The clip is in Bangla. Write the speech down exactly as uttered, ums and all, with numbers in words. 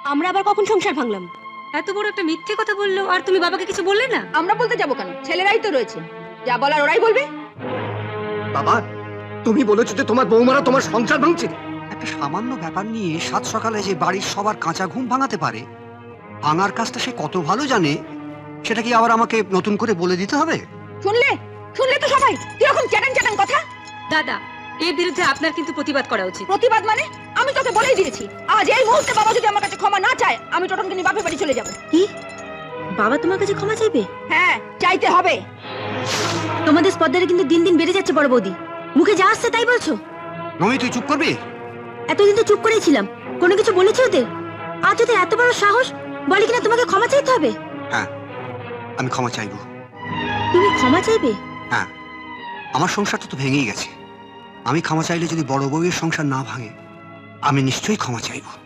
আমরা আবার কখন সংসার ভাঙলাম? এত বড় একটা মিথ্যে কথা বললো আর তুমি বাবাকে কিছু বললে না? আমরা বলতে যাবো কেন? ছেলেরাই তো রয়েছে, যা বলার ওরাই বলবে। বাবা, তুমি বলেছো যে তোমার বৌমারা তোমার সংসার ভাঙছে। একটা সামান্য ব্যাপার নিয়ে সাত সকালে যে বাড়ির সবার কাঁচা ঘুম ভাঙাতে পারে, ভাঙার কাজটা সে কত ভালো জানে, সেটা কি আবার আমাকে নতুন করে বলে দিতে হবে? শুনলে শুনলে তো সবাই কিরকম চ্যাটাং চ্যাটাং কথা। দাদা, এর বিরুদ্ধে আপনার কিন্তু প্রতিবাদ করা উচিত। প্রতিবাদ মানে? আমি তোকে বলেই দিয়েছি, আজ এই মুহূর্তে বাবা যদি আমার কাছে ক্ষমা না চায়, আমি টোটনকে নিয়ে বাপের বাড়ি চলে যাব। কি? বাবা তোমার কাছে ক্ষমা চাইবে? হ্যাঁ, চাইতে হবে। তোমাদের স্পর্ধাটা কিন্তু দিন দিন বেড়ে যাচ্ছে বড় বৌদি। মুখে যা আসছে তাই বলছো। নমি, তুই চুপ করবি? এতদিন তো চুপ করেই ছিলাম, কোনো কিছু বলেছি ওদের? আজ ওদের এত বড় সাহস, বলে কিনা তোমাকে ক্ষমা চাইতে হবে। হ্যাঁ, আমি ক্ষমা চাইবো। তুমি ক্ষমা চাইবে? হ্যাঁ, আমার সংসারটা তো ভেঙেই গেছে। আমি ক্ষমা চাইলে যদি বড় বউয়ের সংসার না ভাঙে, আমি নিশ্চয়ই ক্ষমা চাইবো।